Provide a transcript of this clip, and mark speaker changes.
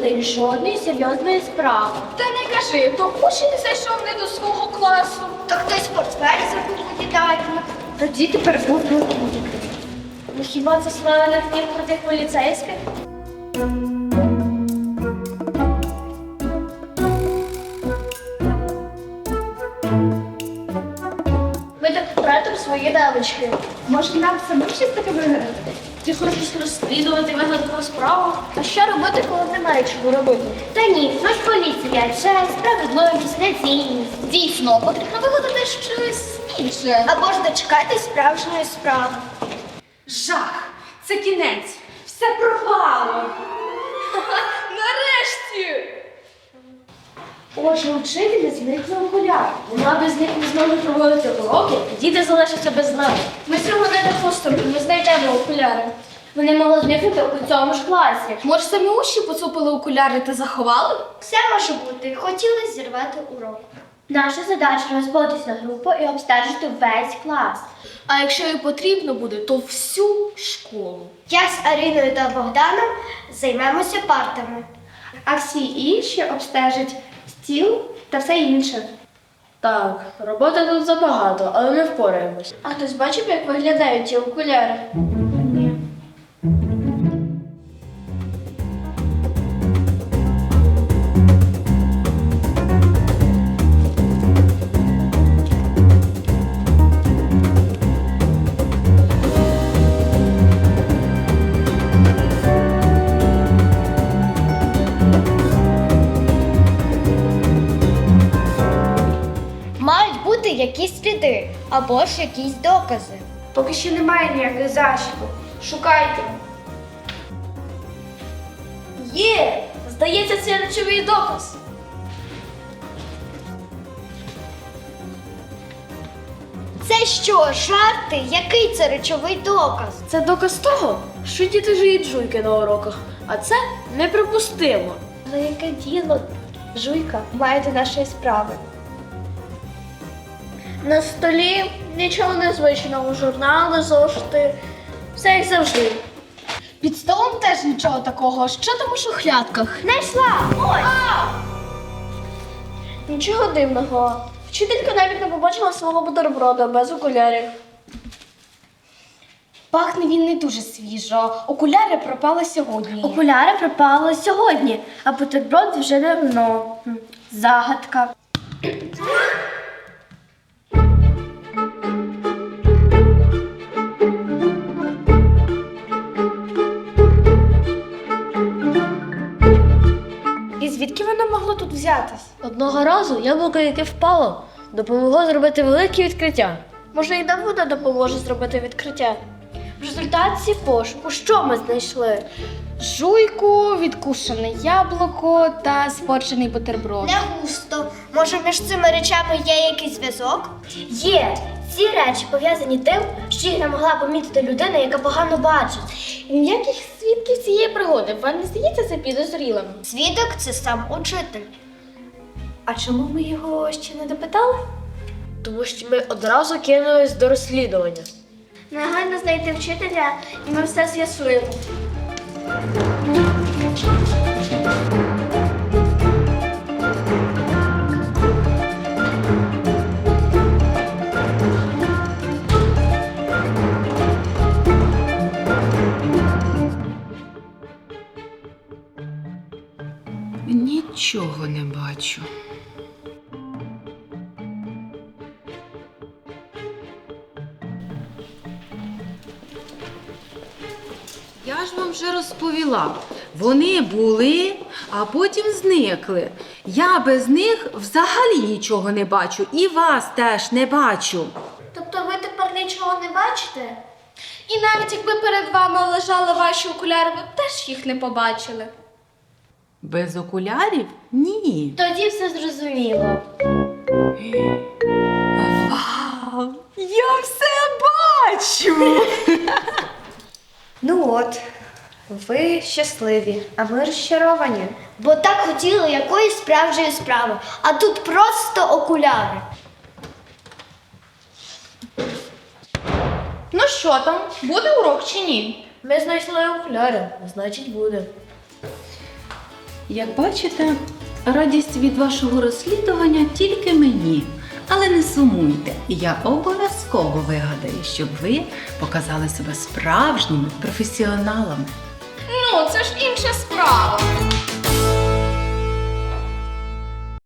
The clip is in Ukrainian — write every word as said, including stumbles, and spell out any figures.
Speaker 1: них жодної серйозної справи.
Speaker 2: Та не кажи, то учень зайшов не до свого класу.
Speaker 1: То хтось портфель забув віддати. Тоді тепер будуть діти. Ну хіба це слава книг про тих поліцейських? Ми так втратимо свої навички.
Speaker 2: Може, нам самим щось таке вигадати?
Speaker 1: Ти хочеш розслідувати вигадану справу? А що робити, коли немає чого робити? Та ні, ось поліція, честь, справедливість, нецінність.
Speaker 2: Дійсно, потрібно вигадати щось інше.
Speaker 1: Або ж дочекати справжньої справи.
Speaker 2: Жах! Це кінець! Все пропало! Нарешті!
Speaker 1: Отже, учителі зникли окуляри. Вона без них не змогли проводити уроки, діти залишаться без знань. Ми цього не допустимо, ми знайдемо окуляри. Вони могли зникнути у цьому ж класі.
Speaker 2: Може, самі учні поцупили окуляри та заховали?
Speaker 1: Все може бути. Хотіли зірвати урок. Наша задача розбитись на групу і обстежити весь клас.
Speaker 2: А якщо і потрібно буде, то всю школу.
Speaker 1: Я з Аріною та Богданом займемося партами. А всі інші обстежать стіл та все інше.
Speaker 3: Так, роботи тут забагато, але ми впораємось.
Speaker 1: А хтось бачив, як виглядають ці окуляри? Мають бути якісь сліди або ж якісь докази.
Speaker 2: Поки що немає ніяких зашибок. Шукайте.
Speaker 1: Є! Здається, це речовий доказ. Це що, жарти? Який це речовий доказ?
Speaker 3: Це доказ того, що діти жують жуйки на уроках, а це неприпустимо.
Speaker 1: Але яке діло, жуйка, має до нашої справи? На столі нічого незвичного, журнали, зошити, все як завжди.
Speaker 2: Під столом теж нічого такого. Що там у шухлядках?
Speaker 1: Знайшла! Ось! Нічого дивного. Вчителька навіть не побачила свого бутерброда без окулярів.
Speaker 2: Пахне він не дуже свіжо. Окуляри пропали сьогодні.
Speaker 1: Окуляри пропали сьогодні, а бутерброд вже давно. Хм, Загадка.
Speaker 2: І звідки воно могло тут взятись?
Speaker 3: Одного разу яблуко, яке впало, допомогло зробити велике відкриття.
Speaker 1: Може, і Давуда допоможе зробити відкриття. В результаті пошуку що ми знайшли?
Speaker 2: Жуйку, відкушене яблуко та спорчений бутерброд.
Speaker 1: Не густо. Може, між цими речами є якийсь зв'язок? Є. Ці речі пов'язані тим, що їх не могла помітити людина, яка погано бачить.
Speaker 2: Ніяких свідків цієї пригоди. Вам не здається це підозрілим?
Speaker 1: Свідок – це сам учитель. А чому ми його ще не допитали?
Speaker 3: Тому що ми одразу кинулись до розслідування.
Speaker 1: Негайно знайти вчителя, і ми все з'ясуємо.
Speaker 4: Нічого не бачу. Я ж вам вже розповіла. Вони були, а потім зникли. Я без них взагалі нічого не бачу. І вас теж не бачу.
Speaker 1: Тобто ви тепер нічого не бачите?
Speaker 2: І навіть якби перед вами лежали ваші окуляри, ви б теж їх не побачили.
Speaker 4: Без окулярів? Ні.
Speaker 1: Тоді все зрозуміло.
Speaker 4: Вау! Я все бачу!
Speaker 5: Ну от, ви щасливі, а ми розчаровані.
Speaker 1: Бо так хотіли якоїсь справжньої справи, а тут просто окуляри.
Speaker 2: Ну що там, буде урок чи ні?
Speaker 3: Ми знайшли окуляри, значить буде.
Speaker 4: Як бачите, радість від вашого розслідування тільки мені. Але не сумуйте, я обов'язково вигадаю, щоб ви показали себе справжніми професіоналами.
Speaker 2: Ну, це ж інша справа.